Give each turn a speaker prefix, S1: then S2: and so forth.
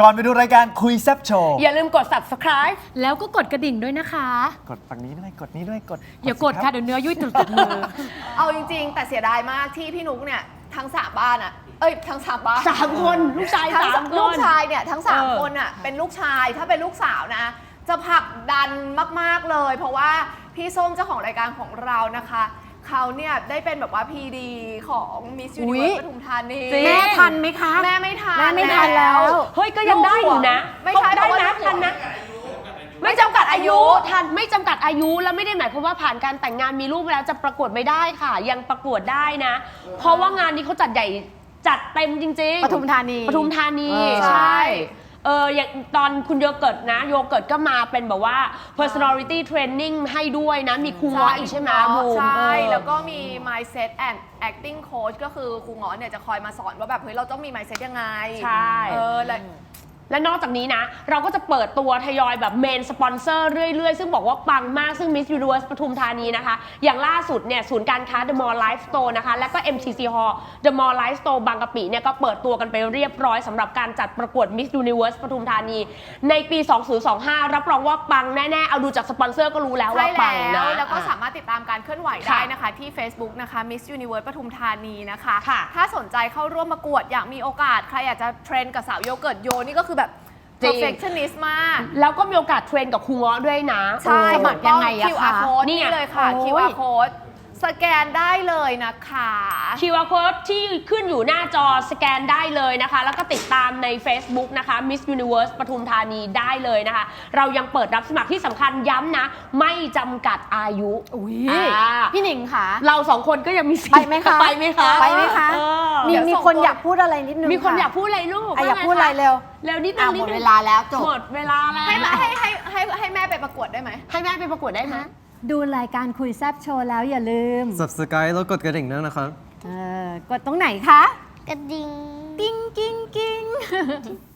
S1: ก่อนไปดูรายการคุยแซ่บโชว์
S2: อย่าลืมกด subscribe
S3: แล้วก็กดกระดิ่งด้วยนะคะ
S1: กดฝั่งนี้ด้วยกดนี้ด้วย
S3: อย่ากดค่ะเดี๋ยวเนื้อยุ่ยตุดมือ
S4: เอาจริงๆ แต่เสียดายมากที่พี่นุ๊กเนี่ยทั้ง3บ้านอ่ะทั้ง3บ้าน
S2: 3 คนลูกชาย
S4: ทั้ง
S2: 3 คน
S4: ลูกชายเนี่ยทั้ง3คนอ่ะเป็นลูกชายถ้าเป็นลูกสาวนะจะผลักดันมากๆเลย เพราะว่าพี่ส้มเจ้าของรายการของเรานะคะเขาเนี่ยได้เป็นแบบว่าพีดีของ Miss
S3: อุ๊ย
S4: Universe ปทุมธานี
S3: แม่ทันไหมคะ
S4: แม่ไม่ทัน
S3: แม่ไม่ทันแล้ว
S2: เฮ้ยก็ยังได้อยู่นะ
S4: ไม่ใช่
S2: ได้
S4: เพราะ
S2: นะ
S4: ว่า
S2: ทันนะไม่จำกัดอายุทันไม่จำกัดอายุแล้วไม่ได้หมายความว่าผ่านการแต่งงานมีลูกแล้วจะประกวดไม่ได้ค่ะ ยังประกวดได้นะ เพราะว่างานนี้เขาจัดใหญ่จัดเต็มจริงๆ
S3: ปทุมธานี
S2: ปทุมธานี
S4: ใช่
S2: ใช่อย่างตอนคุณโยเกิร์ตนะโยเกิร์ตก็มาเป็นแบบว่า personality training ให้ด้วยนะมีครูง้ออีกใช่ไหมบูม
S4: ใช่ แล้วก็มี mindset and acting coach ก็คือครูง้อเนี่ยจะคอยมาสอนว่าแบบเฮ้ยเราต้องมี mindset ยังไง
S2: ใช่
S4: แล้ว
S2: และนอกจากนี้นะ เราก็จะเปิดตัวทยอยแบบเมนสปอนเซอร์เรื่อยๆ ซึ่งบอกว่าปังมากซึ่ง Miss Universe ปทุมธานีนะคะ อย่างล่าสุดเนี่ยศูนย์การค้า The Mall Life Store นะคะ และก็ MCC Hall The Mall Life Store บางกะปิเนี่ยก็เปิดตัวกันไปเรียบร้อยสำหรับการจัดประกวด Miss Universe ปทุมธานี ในปี 2025 รับรองว่าปังแน่ๆ เอาดูจากสปอนเซอร์ก็รู้แล้วว่า
S4: ใช่
S2: ปังนะ
S4: แล้วก็สามารถติดตามการเคลื่อนไหวได้นะคะ ที่ Facebook นะคะ Miss Universe ปทุมธานีนะคะ
S2: ค่ะ
S4: ถ้าสนใจเข้าร่วมประกวดอยากมีโอกาสใครอยากจะเทรนกับสาวโยเกิร์ตโยนี่ก็คือแบบ
S2: จริง
S4: perfectionist มาก
S2: แล้วก็มีโอกาสเทรนกับครูง้อด้วยนะ
S4: ใช่
S3: สมัครยังไงอะ
S4: ถูก
S3: คะ
S4: ต้อง QR code
S2: นี่ไง
S4: นี่เลยค่ะ
S3: โอ้ย
S4: QR code สแกนได้เลยนะคะ
S2: QR code ที่ขึ้นอยู่หน้าจอสแกนได้เลยนะคะ แล้วก็ติดตามใน Facebook นะคะ Miss Universe ปทุมธานีได้เลยนะคะ เรายังเปิดรับสมัครที่สำคัญย้ำนะ ไม่จำกัดอายุ
S3: อุ้ย
S2: อ่า
S3: พี่หนิงค่ะ
S2: เราสองคนก็ยังมีสิท
S3: ไป
S2: ธิ์
S3: ไหมคะ
S2: ไปไหมคะ
S3: ไปไหมคะ
S2: เออ
S3: มีคนอยากพูดอะไรนิดนึง
S2: มีคน
S3: ะ
S2: อยากพูดอะไรลูก
S3: อยากพูดอะไรเร็ว
S2: เร็วนิดนึง
S3: หมดเวลาแล้วจบ
S2: หมดเวลาแล้ว
S4: ให้แม่ไปประกวดได้ไหม
S2: ให้แม่ไปประกวดได้ไหม
S5: ดูรายการคุยแซบโชว์แล้วอย่าลืม
S6: Subscribe แล้วกดกระดิ่งด้วยนะครับ
S5: กดตรงไหนคะ
S7: กระดิ่ง
S5: กิ้งกิ้งกิ้ง